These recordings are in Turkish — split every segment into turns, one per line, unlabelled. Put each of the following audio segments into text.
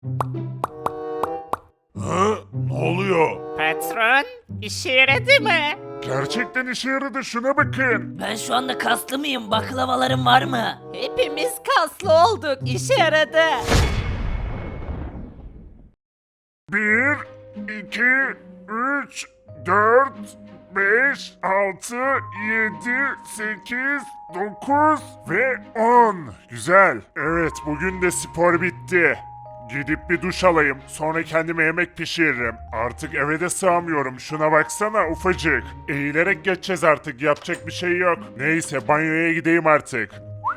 Ha? Ne oluyor?
Patron, işe yaradı mı?
Gerçekten işe yaradı, şuna bakın.
Ben şu anda kaslı mıyım? Baklavalarım var mı?
Hepimiz kaslı olduk, işe yaradı.
1, 2, 3, 4, 5, 6, 7, 8, 9 ve 10. Güzel. Evet, bugün de spor bitti. Gidip bir duş alayım. Sonra kendime yemek pişiririm. Artık eve de sığamıyorum. Şuna baksana, ufacık. Eğilerek geçeceğiz artık. Yapacak bir şey yok. Neyse, banyoya gideyim artık.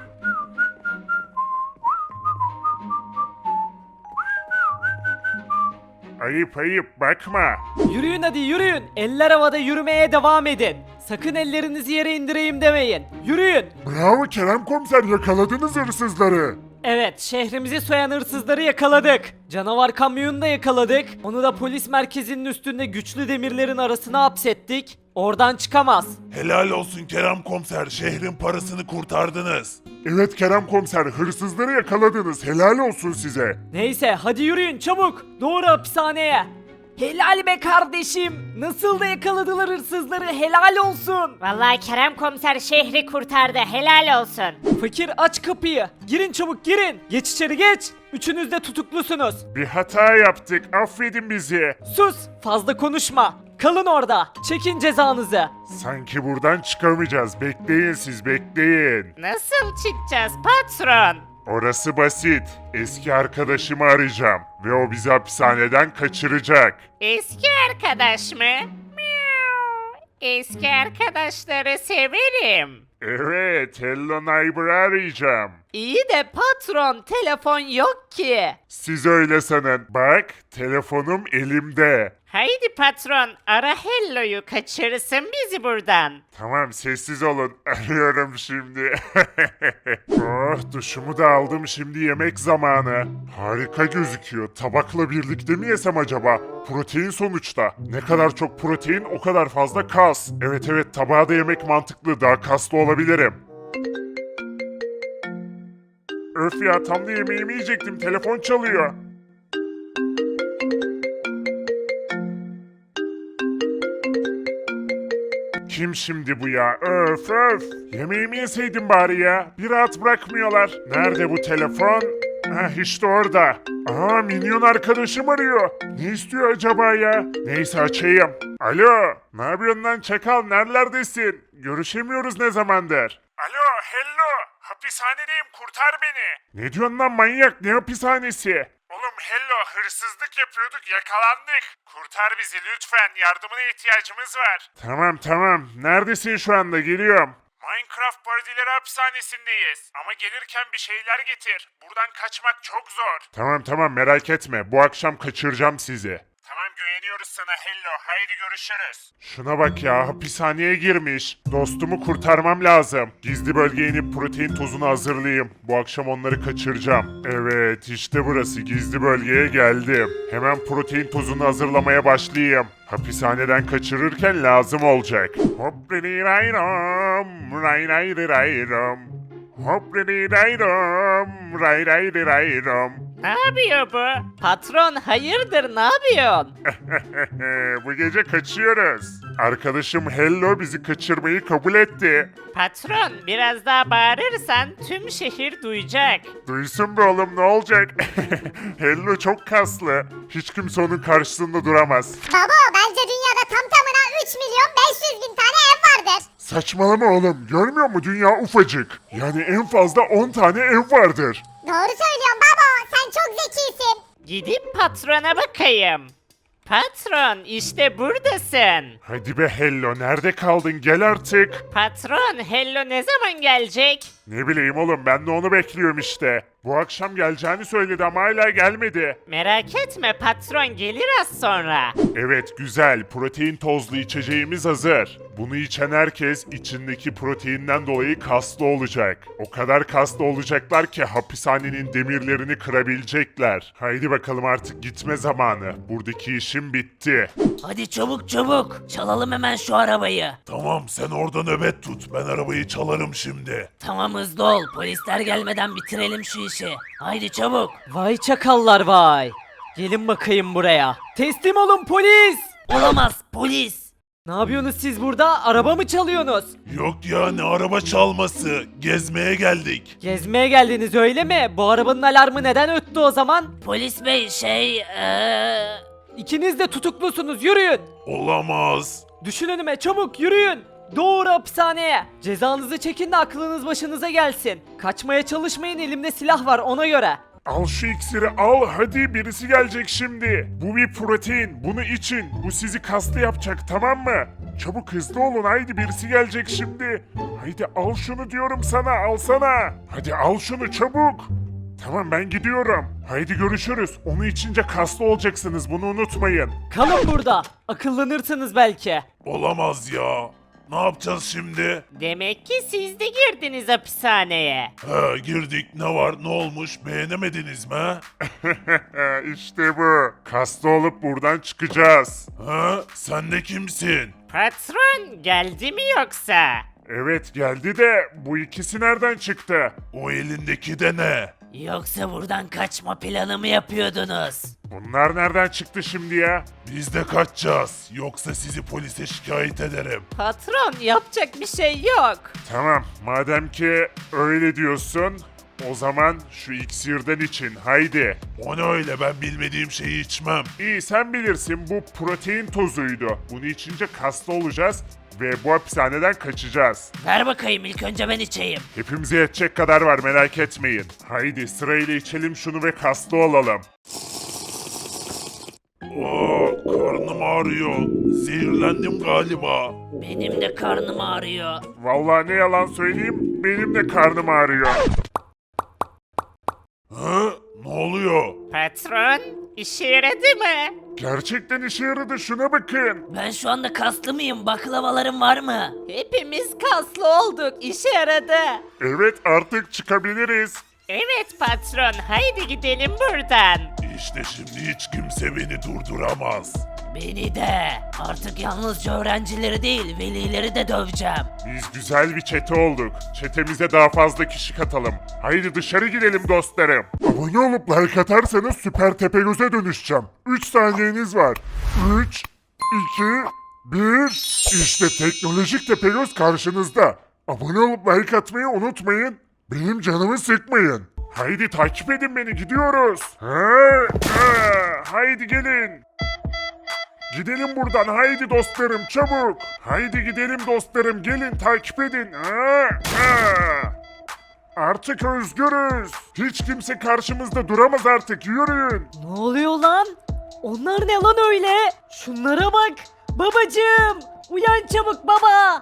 Ayıp ayıp, bakma.
Yürüyün hadi yürüyün. Eller havada yürümeye devam edin. Sakın ellerinizi yere indireyim demeyin. Yürüyün.
Bravo Kerem Komiser, yakaladınız hırsızları.
Evet, şehrimizi soyan hırsızları yakaladık. Canavar kamyonunu da yakaladık. Onu da polis merkezinin üstünde güçlü demirlerin arasına hapsettik. Oradan çıkamaz.
Helal olsun Kerem Komiser, şehrin parasını kurtardınız. Evet Kerem Komiser, hırsızları yakaladınız. Helal olsun size.
Neyse hadi yürüyün çabuk. Doğru hapishaneye. Helal be kardeşim. Nasıl da yakaladılar hırsızları, helal olsun.
Vallahi Kerem komiser şehri kurtardı, helal olsun.
Fakir aç kapıyı. Girin çabuk girin. Geç içeri geç. Üçünüz de tutuklusunuz.
Bir hata yaptık, affedin bizi.
Sus, fazla konuşma. Kalın orada. Çekin cezanızı.
Sanki buradan çıkamayacağız. Bekleyin siz, bekleyin.
Nasıl çıkacağız patron?
Orası basit. Eski arkadaşımı arayacağım ve o bizi hapishaneden kaçıracak.
Eski arkadaş mı? Miau. Eski arkadaşları severim.
Evet, Hello Neighbor'ı arayacağım.
İyi de patron, telefon yok ki.
Siz öyle sanın. Bak, telefonum elimde.
Haydi patron, ara Hello'yu, kaçırırsın bizi buradan.
Tamam, sessiz olun. Arıyorum şimdi. Oh, duşumu da aldım, şimdi yemek zamanı. Harika gözüküyor. Tabakla birlikte mi yesem acaba? Protein sonuçta. Ne kadar çok protein, o kadar fazla kas. Evet evet, tabağa da yemek mantıklı. Daha kaslı olabilirim. Öf ya, tam da yemeğimi yiyecektim. Telefon çalıyor. Kim şimdi bu ya? Öf öf. Yemeğimi yeseydim bari ya. Bir rahat bırakmıyorlar. Nerede bu telefon? Heh, işte orada. Aa, minyon arkadaşım arıyor. Ne istiyor acaba ya? Neyse, açayım. Alo. Ne yapıyorsun lan çakal? Nerelerdesin? Görüşemiyoruz ne zamandır? Alo, hello. Hapishanedeyim, kurtar beni. Ne diyorsun lan manyak? Ne hapishanesi? Oğlum hello, hırsızlık yapıyorduk, yakalandık. Kurtar bizi lütfen, yardımına ihtiyacımız var. Tamam tamam, neredesin şu anda, geliyorum. Minecraft Paradileri hapishanesindeyiz. Ama gelirken bir şeyler getir. Buradan kaçmak çok zor. Tamam tamam, merak etme, bu akşam kaçıracağım sizi. Tamam, güveniyoruz sana hello, haydi görüşürüz. Şuna bak ya, hapishaneye girmiş. Dostumu kurtarmam lazım. Gizli bölgeye inip protein tozunu hazırlayayım. Bu akşam onları kaçıracağım. Evet, işte burası, gizli bölgeye geldim. Hemen protein tozunu hazırlamaya başlayayım. Hapishaneden kaçırırken lazım olacak. Hop rayram, ray ray rayram. Hop rayram, ray ray rayram.
Ne yapıyor bu? Patron, hayırdır, ne yapıyorsun?
Bu gece kaçıyoruz. Arkadaşım Hello bizi kaçırmayı kabul etti.
Patron, biraz daha bağırırsan tüm şehir duyacak.
Duysun be oğlum, ne olacak? Hello çok kaslı. Hiç kimse onun karşısında duramaz.
Baba bence dünyada tam tamına 3 milyon 500 bin tane ev vardır.
Saçmalama oğlum. Görmüyor musun, dünya ufacık. Yani en fazla 10 tane ev vardır.
Doğru söylüyorsun baba, sen çok zekisin.
Gidip patrona bakayım. Patron, işte buradasın.
Hadi be Hello, nerede kaldın, gel artık.
Patron, Hello ne zaman gelecek?
Ne bileyim oğlum, ben de onu bekliyorum işte. Bu akşam geleceğini söyledi ama hala gelmedi.
Merak etme patron, gelir az sonra.
Evet güzel, protein tozlu içeceğimiz hazır. Bunu içen herkes içindeki proteinden dolayı kaslı olacak. O kadar kaslı olacaklar ki hapishanenin demirlerini kırabilecekler. Haydi bakalım artık gitme zamanı. Buradaki işim bitti.
Hadi çabuk çabuk. Çalalım hemen şu arabayı.
Tamam sen orada nöbet tut. Ben arabayı çalarım şimdi.
Tamam hızlı ol. Polisler gelmeden bitirelim şu işi. Haydi çabuk.
Vay çakallar vay. Gelin bakayım buraya. Teslim olun polis.
Olamaz polis.
Ne yapıyorsunuz siz burada? Araba mı çalıyorsunuz?
Yok ya ne araba çalması. Gezmeye geldik.
Gezmeye geldiniz öyle mi? Bu arabanın alarmı neden öttü o zaman?
Polis bey
İkiniz de tutuklusunuz yürüyün.
Olamaz.
Düşün önüme çabuk yürüyün. Doğru hapishaneye. Cezanızı çekin de aklınız başınıza gelsin. Kaçmaya çalışmayın, elimde silah var ona göre.
Al şu iksiri al, hadi birisi gelecek şimdi. Bu bir protein, bunu için. Bu sizi kaslı yapacak, tamam mı? Çabuk hızlı olun, haydi birisi gelecek şimdi. Haydi al şunu diyorum sana, alsana. Hadi al şunu çabuk. Tamam ben gidiyorum. Haydi görüşürüz. Onu içince kaslı olacaksınız, bunu unutmayın.
Kalın burada. Akıllanırsınız belki.
Olamaz ya. Ne yapacağız şimdi?
Demek ki siz de girdiniz hapishaneye.
He girdik ne var ne olmuş beğenemediniz mi?
İşte bu. Kaslı olup buradan çıkacağız.
He sen de kimsin?
Patron geldi mi yoksa?
Evet geldi de bu ikisi nereden çıktı?
O elindeki de ne?
Yoksa buradan kaçma planı mı yapıyordunuz?
Bunlar nereden çıktı şimdi ya?
Biz de kaçacağız. Yoksa sizi polise şikayet ederim.
Patron yapacak bir şey yok.
Tamam, madem ki öyle diyorsun, o zaman şu iksirden için haydi.
O ne öyle ben bilmediğim şeyi içmem.
İyi sen bilirsin, bu protein tozuydu. Bunu içince kaslı olacağız ve bu hapishaneden kaçacağız.
Ver bakayım ilk önce ben içeyim.
Hepimize yetecek kadar var, merak etmeyin. Haydi sırayla içelim şunu ve kaslı olalım.
Karnım ağrıyor. Zehirlendim galiba.
Benim de karnım ağrıyor.
Vallahi ne yalan söyleyeyim, benim de karnım ağrıyor.
He? Ne oluyor?
Patron işe yaradı mı?
Gerçekten işe yaradı, şuna bakın.
Ben şu anda kaslı mıyım? Baklavalarım var mı?
Hepimiz kaslı olduk. İşe yaradı.
Evet artık çıkabiliriz.
Evet patron haydi gidelim buradan.
İşte şimdi hiç kimse beni durduramaz.
Beni de. Artık yalnızca öğrencileri değil, velileri de döveceğim.
Biz güzel bir çete olduk. Çetemize daha fazla kişi katalım. Haydi dışarı gidelim dostlarım. Abone olup like atarsanız Süper Tepegöz'e dönüşeceğim. 3 saniyeniz var. 3, 2, 1. İşte teknolojik Tepegöz karşınızda. Abone olup like atmayı unutmayın. Benim canımı sıkmayın. Haydi takip edin beni, gidiyoruz. Haydi gelin. Gidelim buradan, haydi dostlarım çabuk. Haydi gidelim dostlarım, gelin takip edin. Artık özgürüz. Hiç kimse karşımızda duramaz artık, yürüyün.
Ne oluyor lan? Onlar ne lan öyle? Şunlara bak. Babacığım. Uyan çabuk baba.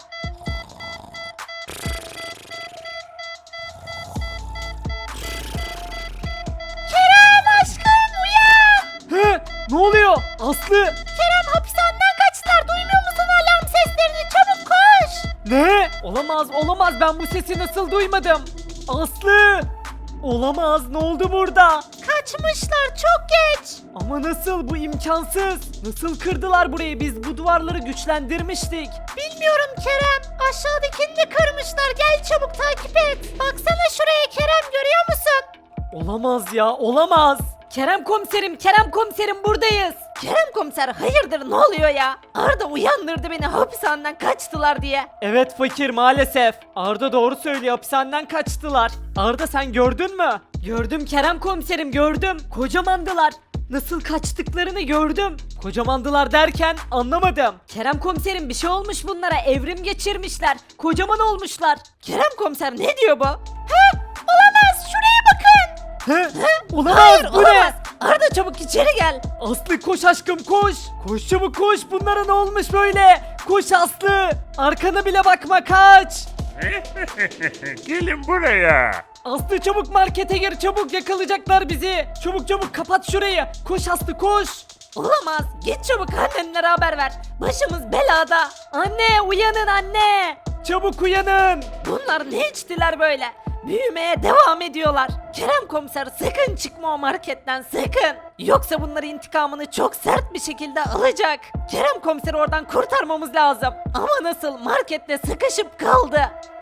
Kerem aşkım uyan.
He? Ne oluyor? Aslı.
Kerem hapishaneden kaçtılar. Duymuyor musun alarm seslerini? Çabuk koş.
Ne? Olamaz olamaz, ben bu sesi nasıl duymadım? Aslı. Olamaz, ne oldu burada?
Kaçmışlar çok geç.
Ama nasıl, bu imkansız. Nasıl kırdılar burayı, biz bu duvarları güçlendirmiştik.
Bilmiyorum Kerem. Aşağıdakini de kırmışlar. Gel çabuk takip et. Baksana şuraya Kerem görüyor musun?
Olamaz ya, olamaz. Kerem komiserim buradayız.
Kerem komiser hayırdır ne oluyor ya? Arda uyandırdı beni hapishaneden kaçtılar diye.
Evet fakir, maalesef. Arda doğru söylüyor, hapishaneden kaçtılar. Arda sen gördün mü? Gördüm Kerem komiserim, gördüm. Kocamandılar. Nasıl kaçtıklarını gördüm. Kocamandılar derken anlamadım. Kerem komiserim bir şey olmuş bunlara, evrim geçirmişler. Kocaman olmuşlar.
Kerem komiser ne diyor bu? Olamaz şuraya bakın.
Olamaz,
Hayır
bu ne?
olamaz. Arda çabuk içeri gel.
Aslı koş aşkım koş. Koş çabuk koş, bunlara ne olmuş böyle? Koş Aslı. Arkana bile bakma, kaç.
Gelin buraya.
Aslı çabuk markete gir, çabuk yakalayacaklar bizi. Çabuk çabuk kapat şurayı. Koş Aslı koş. Olamaz. Git çabuk annenlere haber ver. Başımız belada. Anne uyanın anne. Çabuk uyanın. Bunlar ne içtiler böyle? Büyümeye devam ediyorlar. Kerem komiser sakın çıkma o marketten sakın. Yoksa bunların intikamını çok sert bir şekilde alacak. Kerem komiseri oradan kurtarmamız lazım. Ama nasıl markette sıkışıp kaldı.